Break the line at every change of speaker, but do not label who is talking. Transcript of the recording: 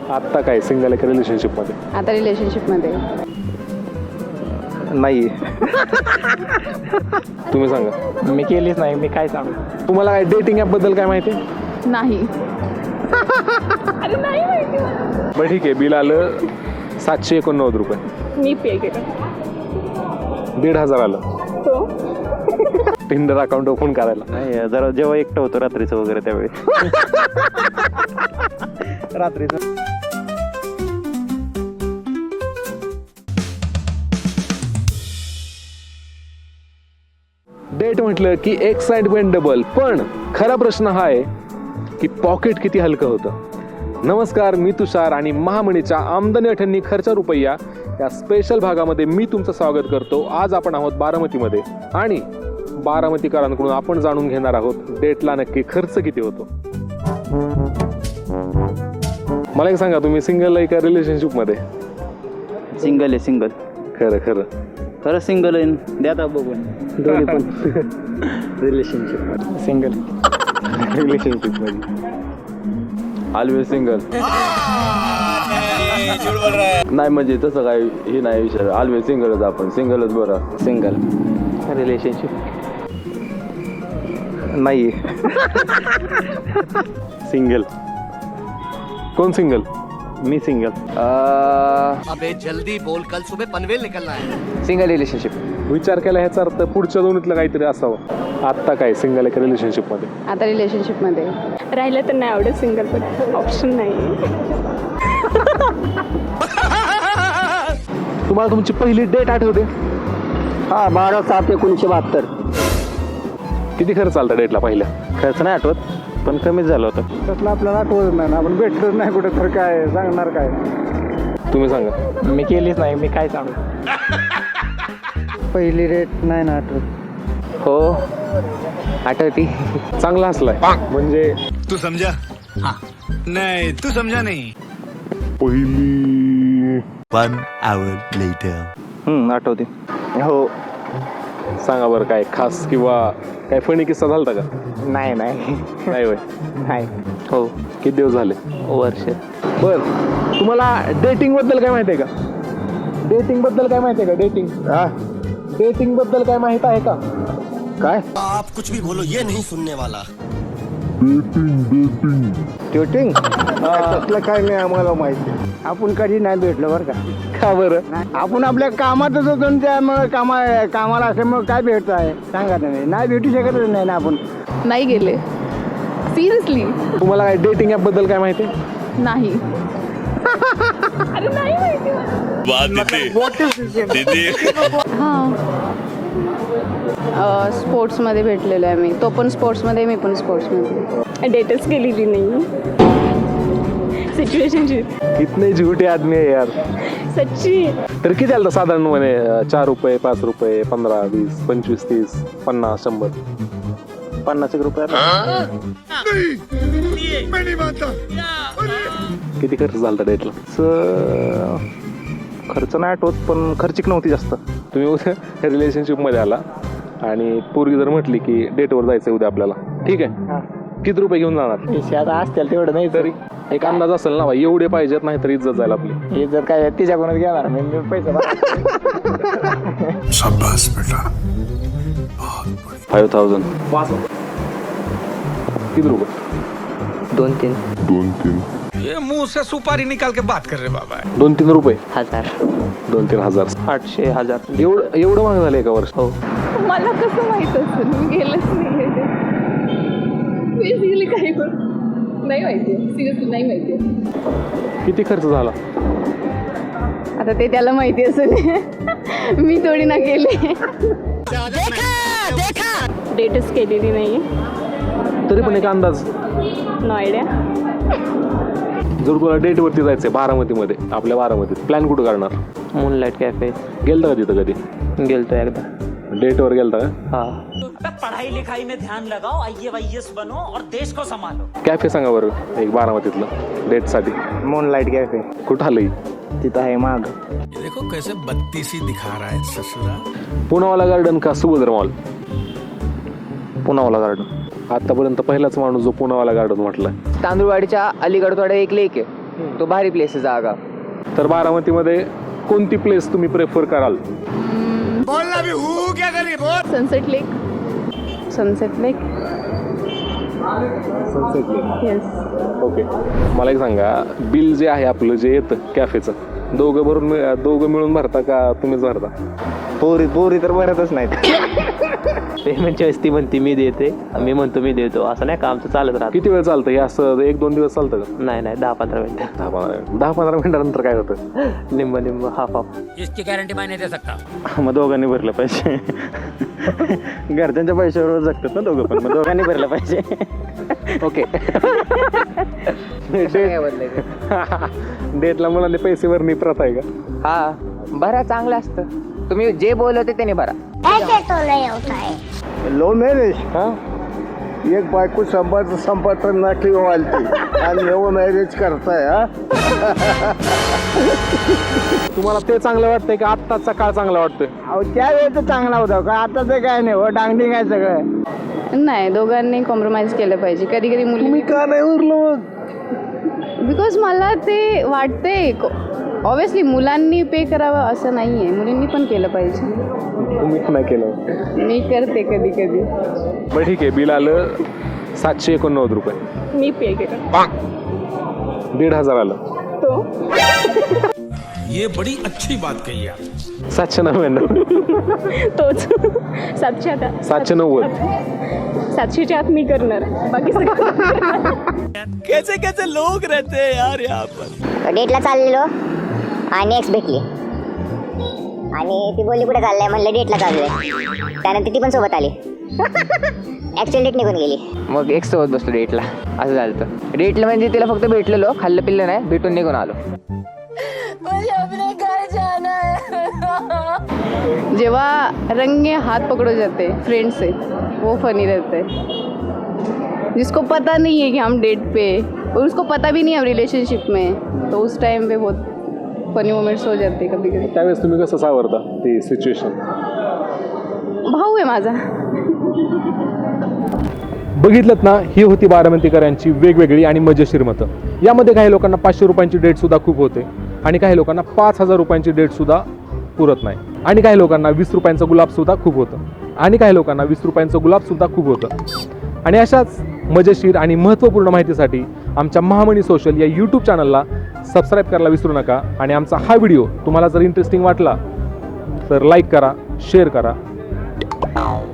आत्ता काय सिंगल आहे का रिलेशनशिप मध्ये?
आता रिलेशनशिप मध्ये
नाही. तुम्ही सांगा.
मी केलीच नाही, मी काय सांगू.
तुम्हाला काय डेटिंग ॲप बद्दल काय माहिती?
नाही. अरे नाही माहिती मला.
बरं ठीक आहे, बिल आलं 789 रुपये.
मी पे केलं.
1,500 आलं
तो
टिंडर अकाउंट ओपन करायला.
नाही, जरा जेव्हा एकटं होतो रात्रीचं वगैरे त्यावेळी. रात्रीचं
डेट म्हटलं की एक्साइटमेंट डबल, पण खरा प्रश्न हा आहे की पॉकेट किती हलकं होतं. नमस्कार, मी तुषार आणि महामणीच्या आमदनी अठ्ठ्याण्णी खर्चा रुपया या स्पेशल भागामध्ये मी तुमचं स्वागत करतो. आज आपण आहोत बारामतीमध्ये आणि बारामतीकरांकडून आपण जाणून घेणार आहोत डेटला नक्की खर्च किती होतो. मला एक सांगा, तुम्ही सिंगल आहे का रिलेशनशिप मध्ये?
सिंगल आहे, सिंगल.
खरं खरं
खरं सिंगल आहे. द्या बघून दोन्ही पण. Relationship single.
रिलेशनशिप मध्ये
ऑलवेज सिंगल. नाही म्हणजे तसं काय हे नाही विषय, ऑलवेज सिंगलच. आपण सिंगलच बरं.
सिंगल. रिलेशनशिप
नाही.
सिंगल.
कोण सिंगल?
मी सिंगल.
अबे जल्दी बोल, कल सुबह पनवेल निकलना है.
Single relationship.
विचार केला ह्याचा अर्थ पुढच्या दोन्हीतलं काहीतरी असावं. आत्ता काय सिंगल आहे का रिलेशनशिप मध्ये?
आता रिलेशनशिप मध्ये
राहिलं तर नाही आवडत सिंगल, पण ऑप्शन नाही.
तुम्हाला तुमची पहिली डेट आठवते?
हा, 12/7/1972.
किती खर्च आलता डेटला पहिल्या?
खर्च नाही आठवत, पण कमीच झालं होतं.
तसलं आपल्याला आठवत नाही ना, आपण भेटलोच नाही कुठे, तर काय सांगणार काय.
तुम्ही सांगा.
मी केलीच नाही, मी काय सांगू.
पहिली रेट नाही ना आठवत.
हो, आठवती.
चांगला हसलाय. म्हणजे
तू समझा? हाँ. नहीं तू समझा नहीं.
पहिली
1 hour later.
आठवते. हो.
सांगा बरं, काय खास किंवा काय फणी किस्सा झालता का?
नाही
नाही होय.
नाही. हो,
किती दिवस झाले?
वर्ष.
बर, तुम्हाला डेटिंग बद्दल काय माहिती आहे का? डेटिंग बद्दल काय माहिती आहे का? डेटिंग बद्दल काय माहित आहे का?
काय?
आप कुछ भी बोलो, ये नहीं सुनने वाला.
डेटिंग तसलं काय नाही आम्हाला माहिती. आपण कधी नाही भेटलो बरं का.
का बरं?
आपण आपल्या कामातच होतो आणि त्यामुळे कामाला असल्यामुळे काय भेटत आहे सांगा तुम्ही. नाही भेटू शकतच नाही ना आपण.
नाही गेले. सिरियसली
तुम्हाला काय डेटिंग ॲप बद्दल काय माहिती आहे?
नाही. अरे नाही माहिती हा. स्पोर्ट्समध्ये भेटलेलो आहे मी. तो पण स्पोर्ट्समध्ये, मी पण स्पोर्ट्समध्ये.
डेटच केलेली नाही. सिच्युएशनशिप.
कितने झूठे आदमी आहे यार.
सच्ची.
तर किती आलं साधारण म्हणे? 4 रुपये, 5 रुपये, 15, 20, 25, 30, 50, 100.
50 रुपये.
किती खर्च झाला डेटला?
खर्च नाही आठवत, पण खर्चिक नव्हती जास्त.
तुम्ही उद्या रिलेशनशिपमध्ये आला आणि पोरगी जर म्हटली की डेटवर जायचं उद्या आपल्याला, ठीक आहे, किती रुपये घेऊन जाणार?
आता असतील तेवढं नाही तरी
एक अंदाज असेल ना, एवढे पाहिजेत, नाही तर इज्जत जाईल आपली.
हे जर काय तिच्याकडूनच घेणार मी पैसे.
5,000.
किती रुपये?
2-3
ये मुंह से सुपारी निकाल के बात कर रहे बाबा.
2-3 रुपये.
हजार.
2-3 हजार.
800,000.
एवढं महाग झालं एका वर्ष?
हो.
मला कसं माहित असेल? मी गेलंच नाही. बेसिकली काही पण नाही माहिती. सिरियसली नाही माहिती.
किती खर्च झाला?
आता ते त्याला माहिती असेल. मी थोडी ना केले.
डेटच केलेली नाही.
तरी पण एक अंदाज.
No idea.
जर तुला डेटवरती जायचंय बारामतीमध्ये, आपल्या बारामतीत, प्लॅन कुठं करणार?
Moonlight cafe.
गेलता का तिथं कधी?
गेलतो एकदा.
डेटवर गेलता का?
हा.
पढ़ाई लिखाई में ध्यान लगाओ, IAS बनो और देश को संभालो.
कॅफे सांगा बरं एक बारामतीतलं डेटसाठी.
Moonlight cafe.
कुठं आलंय?
तिथं आहे माग.
देखो कैसे बत्तीसी दिखा रहा है ससुरा.
पुनावाला गार्डन का सुभद्र मॉल?
पुनावाला गार्डन.
आतापर्यंत पहिलाच माणूस जो पुनावाला गार्डन म्हटलाय.
तांदूळवाडीच्या अलीकडे थोडं एक लेक आहे, तो भारी प्लेस आहे जागा.
तर बारामतीमध्ये कोणती प्लेस तुम्ही प्रेफर कराल?
Sunset lake. Sunset lake.
Sunset lake.
Yes.
Okay, मला एक सांगा, बिल जे आहे आपलं जे येतं कॅफेचं, दोघं मिळून भरता का तुम्हीच भरता?
पोरी तर भरतच नाहीत. पेमेंटच्या वेळेस ती म्हणते मी देते, मी म्हणतो मी देतो, असं नाही का आमचं चालत राहतं.
किती वेळ चालतं हे असं? 1-2 दिवस चालतं का?
नाही 10-15 मिनिटं.
10-15 मिनिटानंतर काय होतं?
निम्म हाफ.
इसकी गारंटी मैं नहीं दे सकता.
मग दोघांनी भरलं पाहिजे. घरच्यांच्या पैशावर जगतात ना दोघं पण, मग दोघांनी भरलं पाहिजे.
ओके. डेटला मुलांनी पैसे भरणे प्रथा आहे का?
हा भरा, चांगलं असतं. तुम्ही जे बोलवते त्याने भरा.
लो मॅरेज
हा,
एक बायको संपत नकली वालती आणि लो मॅरेज करताय. हा,
तुम्हाला ते चांगलं वाटतंय का आत्ताचा काळ चांगला वाटतोय?
अहो त्यावेळेस चांगला होता का, आता तर काय नाही हो, डांगडिंग आहे सगळं.
नाही, दोघांनी कॉम्प्रोमाइज केलं पाहिजे. कधी कधी मुली,
का नाही उरलो?
बिकॉज मला ते वाटते ऑब्विसली मुलांनी पे करावं असं नाही आहे, मुलींनी पण केलं पाहिजे.
तुम्ही नाही केलं?
मी करते कधी कधी.
बरं ठीक आहे, बिल आलं 789 रुपये.
मी पे केलं.
1,500 आलं.
तो
ये बड़ी अच्छी बात कही आप.
799.
तोच 700.
790.
700च्या आत मी करणार, बाकी सगळं
कैसे कैसे लोग रहते हैं यार यहाँ पर.
डेटला चाललेलो आणि एक्स भेटली आणि ती बोलली कुठे चाललंय, म्हणलं डेटला चाललोय. त्यानंतर ती पण सोबत आली. ऍक्च्युअल डेट निघून गेली.
मग एक सोबत बसलो डेटला, असं झालं. डेटला म्हणजे तिला फक्त भेटलेलो, खाल्लं पिल्लं नाही, भेटून निघून आलो.
जेव्हा रंगे हाथ पकड़ो जाते फ्रेंड से, वो फनी रहता है. जिसको पता नहीं है कि हम डेट पे, और उसको पता भी नहीं है हम रिलेशनशिप में, तो उस टाइम पे बहुत फनी मोमेंट्स हो जाते कभी कभी.
त्यावेळेस तुम्ही कसं सावरता ती सिच्युएशन?
भाऊ आहे माझा.
बघितलं ना, ही होती बारामतीकरांची वेगवेगळी आणि मजेशीर मतं. यामध्ये काही लोकांना 500 रुपयांची डेटसुद्धा खूप होते आणि काही लोकांना 5,000 रुपयांची डेटसुद्धा पुरत नाही, आणि काही लोकांना 20 रुपयांचं गुलाबसुद्धा खूप होतं, आणि काही लोकांना 20 रुपयांचं गुलाबसुद्धा खूप होतं. आणि अशाच मजेशीर आणि महत्त्वपूर्ण माहितीसाठी आमच्या महामणी सोशल या यूट्यूब चॅनलला सबस्क्राईब करायला विसरू नका. आणि आमचा हा व्हिडिओ तुम्हाला जर इंटरेस्टिंग वाटला तर लाईक करा, शेअर करा.